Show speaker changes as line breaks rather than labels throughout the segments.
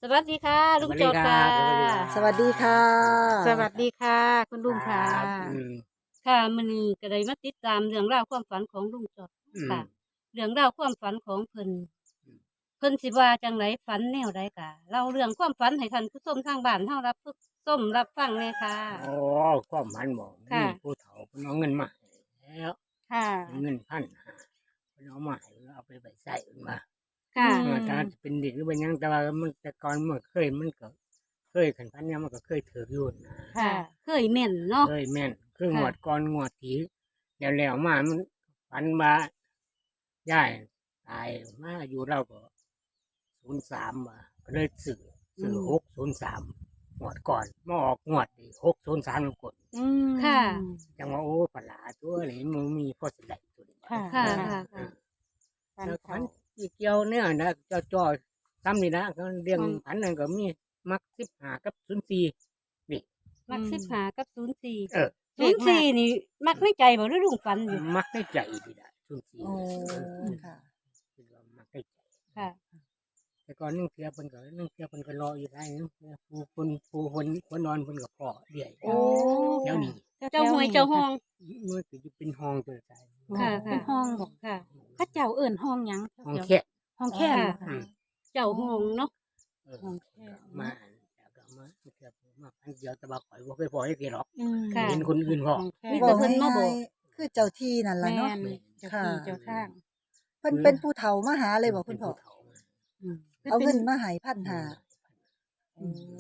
วัสดีค่ะลุงโจทย์ค่ะ
สวัสดีค่ะ
สวัสดีค่ะคุณลุงค่ะ
ครับ
ค่ะมื้อนี้ก็ได้มาติดตามเรื่องราวความฝันของลุงโจทย์ค่ะเรื่องราวความฝันของเพิ่นสิว่าจังไดฝันแนวใดกะเล่าเรื่องความฝันให้ท่านผู้ชมทางบ้านเฮารับส้มรับฟังเลยค่ะ
โอ้ความมันบอกมี
ค่ะ
ผู้เฒ่าเพิ่นเอาเงินมาให้แล้ว
ค่ะ
เงิน1,500เพิ่นเอามาให้เอาไปใช้เพิ่นมา
ค่ะ
ถ้าจะเป็นเด็กหรือเป็นหยังแต่ว่ามันแต่ก่อนมันก็เคยขันพันเนี่ยมันก็เคยถืออยู่นะ
ค่ะ เคยแม่นเนาะ
เคยแม่นคือง
ค่ะ
วดก่อนงวดที่แล้วมามันฝันว่าย่ายตายมาอยู่เราก็03มาก็เลยซื้อ603งวดก่อนมาออกงวดนี่603กด
ค่ะ
จังว่าโอ้ปลาตัวนี้มันมีพอสิได้ตัวนี้
ค่ะ
ค่ะ
เออ
ค่ะ
เออ
ฝัน
แล้ว
เขา
พันอีเกี่ยวเนี่ยนะจ่อซ้ำนี่นะก็เรื่องพันนั่นก็มีมัก15กับ04นี่
มัก15กับ04
เออ
04นี่มักในใจบ่หรือลุงฝันอยู่
มักได้ใจดีได้04
โอ้
ค่ะ
ค่ะ
คือว่ามักได้ใจ
ค่ะ
แต่ก่อนนึงเทียเพิ่นก็รออยู่ได้นึงผู้นอนเพิ่นก็พอเดี่ย
โอ้
เดี๋ยวนี้
เจ้าหวยเจ้าห้อง
มันก็จะเป็นห้องตัวใจ
ค่ะ
เป็นห้องบอก
ค่ะ
ข้าเจ้าเอิ่นห้องหยัง
ห้อง
เดี๋ยว
แค่
ห้องแค่
ค่ะ
อืม
เจ้าห้องเนาะ
ห้องแคบ
มาแล้วก็มาเทียบมาพันเดียวแต่ว่าข่อยบ่เคยพอให้เกี่ยหรอก
อืม
ค่ะ
เห็นคนอื่นพอ
ห้องแค
มี
บ
แต่เพิ่นมาบอก
คือเจ้าที่นั่นล่ะ
แม่
เนาะ
นเจ้าที่เจ้าทาง
เพิ่นเป็นผู้เฒ่ามาหาเลยบ่คุณพ่อ
อืม
เอาเงินมาให้1,500
โอ้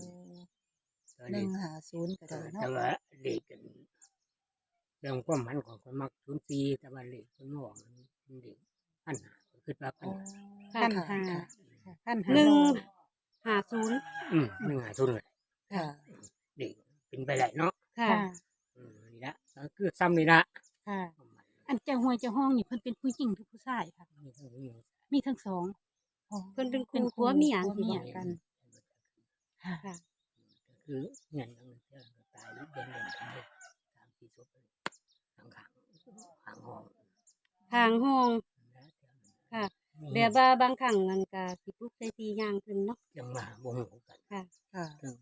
150ก็ได้เนาะแต่ว่าเด็กกันเรื่องความหมันของคนมัก04แต่ว่าเลขเพิ่นบอกมันเด็ก1,500ก็คือว่า
โอ้
1,500
พันห้าพันห้า
150
150เลย
ค่ะ
เด็กเป็นไปได้เนาะ
ค่ะ
ค่ะ
นี่ละก็คือซ้ำนี่ละ
ค่ะ อันเจ้าหวยเจ้าห้องนี่เพิ่นเป็นผู้หญิงหรือผู้ชายค่ะ มีทั้งสองอ๋อ
เพิ่นเป็นคู่ผัวเมีย
ผัว
สิ
เมีย
บอก
กัน ค่ะ
ค่ะ
คือเงินยังตายเดือนกันเลย3-4ศพทางข้างห้อง
ทางห้อง ค่ะแบบว่าบางครั้งมันก็สิปลุกใส่ทีย่างขึ้นเนาะ
ยังมาบ่ฮู้กัน
ค่ะ
ค่ะ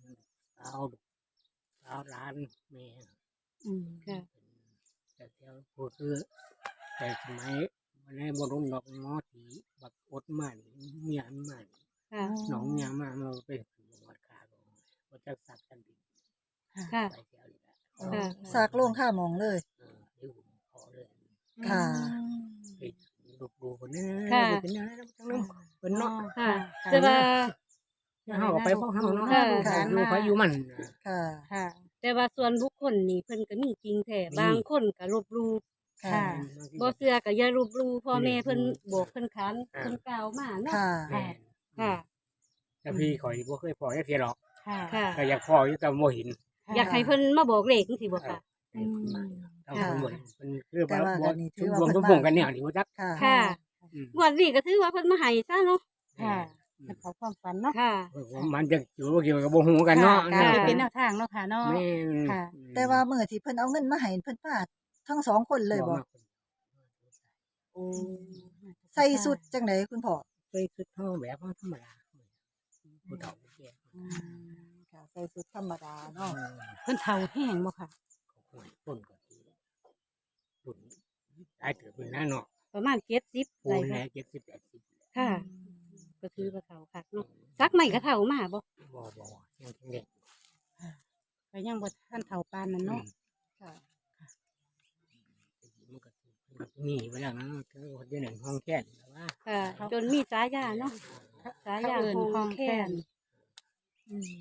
เอาร้านแม่
อืม
ค่ะ
แต่เที่ยวพูดคือแต่สมัยมันให้บ่รุนดอกงอถีบักอดมันเมียนมัน
ค่ะ
หนองยามาเป็นวัดคาบ่จักสักกันดี
ค่ะ
ไปเที่ยวนี่แหละ
ค่ะ
สากโล่งข้ามองเลย
เดี๋ยวผมขอเลย
ค่ะ
ไปดูคนนี้
ค่ะ
เป็นยังไงทั้งนั้นเป็นเนาะ
ค่ะแต่ว่า
เฮาไปพ่อเฮาเนาะ
ค่ะ
อยู่ไปอยู่มัน
ค่ะ
ค่ะ
แต่ว่าส่วนบุคคลนี่เพิ่นก็มีจริงแท้บางคนก็ลบหลู่
ค่ะ
บ่เชื่อก็อย่าลบหลู่พ่อแม่เพิ่นบอกเพิ่นค้านเพิ่นกล่าวมาเนาะ
ค่ะ
ค่ะ
แต่พี่ข่อยบ่เคยพอจักเที่ยหรอก
ค่ะ
ค่ะ
ก็อยากพออยู่แต่บ่เห็น
อยากให้เพิ่นมาบอกเลขจังซี่บ่ค่ะ
ต้องคนบ่เห็นเพิ่นคือ
แต่ว่า
บ่
อันนี้ถื
ชุ
อ
ม
ว่า
รวม
เพิ่
ทุ
น
ก
มา
วงกันเนี่ยนี่บ่จัก
ค่ะ
ค่ะ
อืม
งวดนี้ก็ถือว่าเพิ่นมาให้ซะเนาะ
ค่ะเป็นเขาความฝันเนาะ
ค่ะ
มันจะอยู่บ่เกี่ยวกับบ่ฮู้กันเนาะ
ค่ะก็เป็นแนวทางเนาะค่ะเนาะ
แม่น
ค่ะ
แต่ว่ามื้อที่เพิ่นเอาเงินมาให้เพิ่นพาทั้งสองคนเลยบ่โอ้ใส่สุดจังไดคุณพ่อ
เคยคือเฮาแบบว่าธรรมดาผู้เฒ่าผู้แก่
อืม
ค่ะใส่สุดธรรมดาเนาะ
เพิ่นเฒ่าแห้งบ่ค่ะ
ห่วยต้นก็ดีรุ่นได้ถือเป็นหน้าเนาะ
ประมาณ70
ปู
ได้
นแห
ค่ะ
น่70-80
ค่ะ ก็ถือว่าเฒ่าคักเนาะซักใหม่ก็เฒ่ามาบ่
บ่ยังเด็ก
ก็ยังบ่ทันเฒ่าปานนั้นเนาะ
ค่ะ
มันก็มีเวลานั้นคือคนที่หนึ่งห้องแค่นแต่ว่า
ค่ะ จนมีฉายาเนาะฉายา
เขาเอิ้น
ห้องแค้น
อืม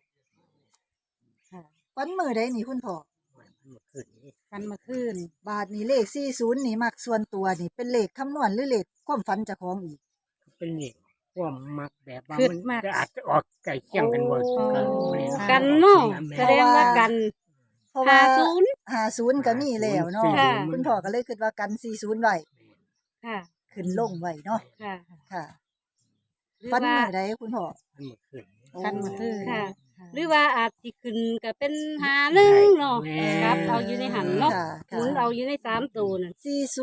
ค่ะ
วันมื้อใดนี่คุณพ่อ
มันเมื่อคืนนี้
ฝันเมื่อคืน
บาทนี่เลข40นี่มักส่วนตัวนี่เป็นเลขคำนวณหรือเลขความฝันเจ้าของอีก
เป็นเด็กความมักแบบว่า
คือ
มัน
มาก
จะอาจจะออกไก่เคี่ยงกันบ่
โอ้
กันเนาะแสดงว่ากัน
เพราะว่า
50
50ก็มีแล้วเนาะ
ค่ะ
คุณพ่อก็เลยคิดว่ากัน40ไว้
ค่ะ
ขึ้นลงไว้เนาะ
ค่ะ
ค่ะ
หรือ
ฝัน
ว่า
มื้อใดคุณพ่อ
มันเมื่อคืน
ฝันเมื่อคืน
ค่ะ หรือว่าอาจสิขึ้นก็เป็น51เนาะ
แม่
ครับเอาอยู่ในหันเนาะ
ค่ะ
หมุนเอาอยู่ใน3ตัวนั่น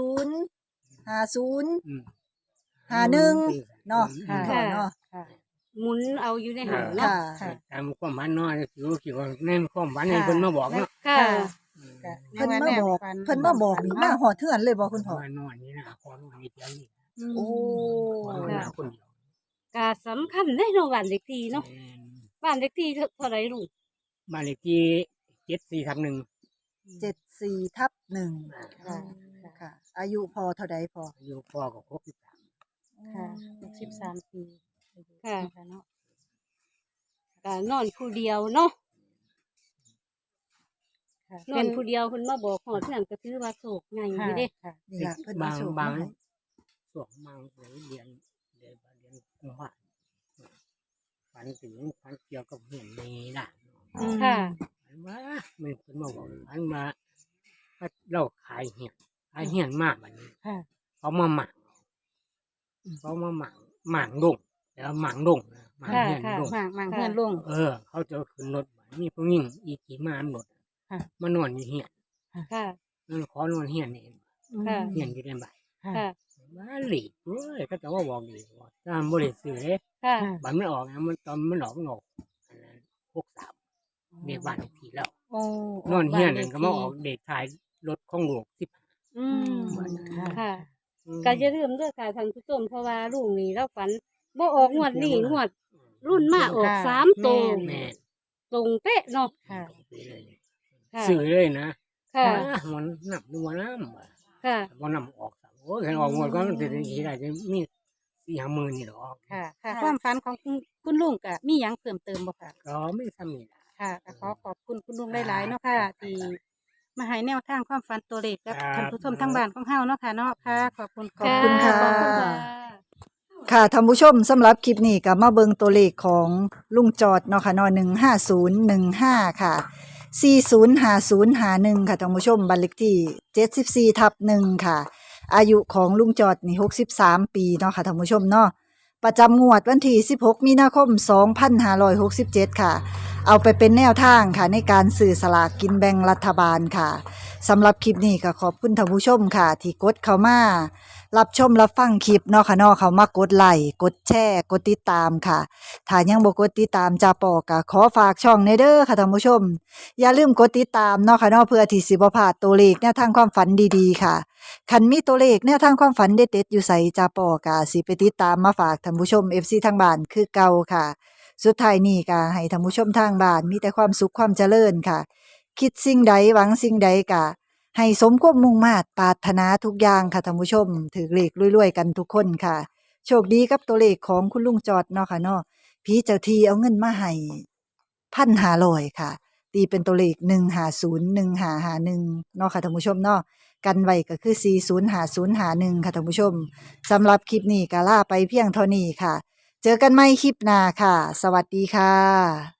40 50
อืม
51เนาะ
ค่ะ
คุณพ่อเนาะ
ค่ะ
หมุนเอาอยู่ในหัน
ค่ะ
เนาะ
ค่ะ
ตามความฝันเนาะคิดว่าในความฝันให้เพิ่นมาบอกเนาะ
ค่ะ
เพิ่นมาบอกเพิ่นมาบอกนี่มาหอดเทือนเลยบ่คุณพ่อ
ว่านอนนี่นะขอนอนนี่เดียวนี่
โอ้
ขอนอนหาคนเดียว
ก็สำคัญในโรงบ้านเล็กที่เนาะ
แม่น
บ้านเล็กที่เท่าไหร่ลุง
บ้านเลขที่74/1
74/1
ค่ะ
ค่ะ อายุพอเท่าใดพอ
อายุพ่อก็63
ค่ะ63 ปี
ค่ะ
เนาะ
ก็นอนผู้เดียวเนาะ
ค่ะ
นอนผู้เดียวเพิ่นมาบอกหอดเทื่อนก็ถือว่าโศกใหญ่อยู่เด้
ค่ะ
นี่ล่ะเพิ่นมา
บาง
โชค
บาง
มาให้
ช่วงบางเรียนกุมภาฝันถึงฝันเกี่ยวกับเห็นในด่าน
ค่ะ
ฝันว่ามันเพิ่นมาบอกฝันว่าเราขายเห็นมากบัดนี้
ค่ะ
เขามาหมักหมักดงแล้วหมักดงนะหมักเห็นดง
มั่งเฮือนลง
เขาจะขึ้นรถบัดมีผู้หญิงอีกกี่มารถ
ค่ะ
มานอนอยู่เหียน
ค่ะ
นั่นขอนอนเหียนนี่
ค่ะ
เหียนอยู่ในบ้าน
ค่ะ
มาหลีกเว้ยก็จะว่าบอกดีว่าตามบ่ได้ซื้อเด้
ค่ะ
บัตรไม่ออกนะมันตอนมันออกอันนั้น63เด็กบ้านเลขที่แล้ว
โอ้
นอนเฮียนนั่นก็มาออกเด็กถ่ายรถของลูก15
อืม
ค่ะ
ค่ะ ก็อย่าลืมเด้อค่ะท่านผู้ชมเพราะว่าลุงนี่เราฝันบ่ออกงวดนี้งวด รุ่นมาออก3ตัว
แม่
ตรงเป๊ะเนาะ
ค่ะ
ไปเลย
ค่ะ
ซื้อเลยนะ
ค่ะ
มันนับดูว่าน้ำว่ะ
ค่ะ
บ่นำออกซ้ำโอ้ยเห็นออกงวดก็มันจะได้จะมี4-5 มื้อนี่ดอก
ค่ะ ค่ะ ความฝันของคุณลุงก็มีหยังเพิ่มเติมบ่ค่ะ
ก็ไม่ซ้ำนี่ล่ะ
ค่ะก็ขอบคุณคุณลุงหลายๆเนาะค่ะที่มาให้แนวทางความฝันตัวเลขกับ
ครับ
ท่านผู้ชมทั้งบ้านของเฮาเนาะค่ะเนาะค่ะ ขอบคุณ
ขอบคุณค่ะ
ขอบคุณค่ะ
ค่ะท่านผู้ชมสำหรับคลิปนี้ก็มาเบิงตัวเลขของลุงจอดเนาะค่ะเนาะ15015ค่ะ405051ค่ะท่านผู้ชมบัตรเลขที่74/1ค่ะ อายุของลุงจอดนี่63 ปีเนาะค่ะท่านผู้ชมเนาะประจำงวดวันที่16 มีนาคม 2567 ค่ะ เอาไปเป็นแนวทางค่ะในการสื่อสลากกินแบ่งรัฐบาลค่ะสำหรับคลิปนี้ก็ขอบคุณท่านผู้ชมค่ะ ที่กดเข้ามารับชมรับฟังคลิปเนาะค่ะเนาะเขามากดไลค์กดแชร์กดติดตามค่ะถ้ายังบ่กดติดตามจาปอก็ขอฝากช่องในเด้อค่ะท่านผู้ชม อย่าลืมกดติดตามเนาะค่ะเนาะเพื่อที่สิบ่พลาดตัวเลขแนวทางความฝันดีๆค่ะคันมีตัวเลขแนวทางความฝันเด็ดๆอยู่ไสจาปอก็สิไปติดตามมาฝากท่านผู้ชม FC ทางบ้านคือเก่าค่ะ สุดท้ายนี้ก็ให้ท่านผู้ชมทางบ้านมีแต่ความสุขความเจริญค่ะ คิดสิ่งใดหวังสิ่งใดก็ให้สมความมุ่งมาตรปรารถนาทุกอย่างค่ะท่านผู้ชมถือเลขรวยๆกันทุกคนค่ะ โชคดีกับตัวเลขของคุณลุงจอดเนาะค่ะเนาะผีเจ้าที่เอาเงินมาให้1,500ค่ะ ตีเป็นตัวเลข1501551เนาะค่ะท่านผู้ชมเนาะกันไว้ก็คือ405051ค่ะท่านผู้ชมสำหรับคลิปนี้ก็ลาไปเพียงเท่านี้ค่ะ เจอกันใหม่คลิปหน้าค่ะ สวัสดีค่ะ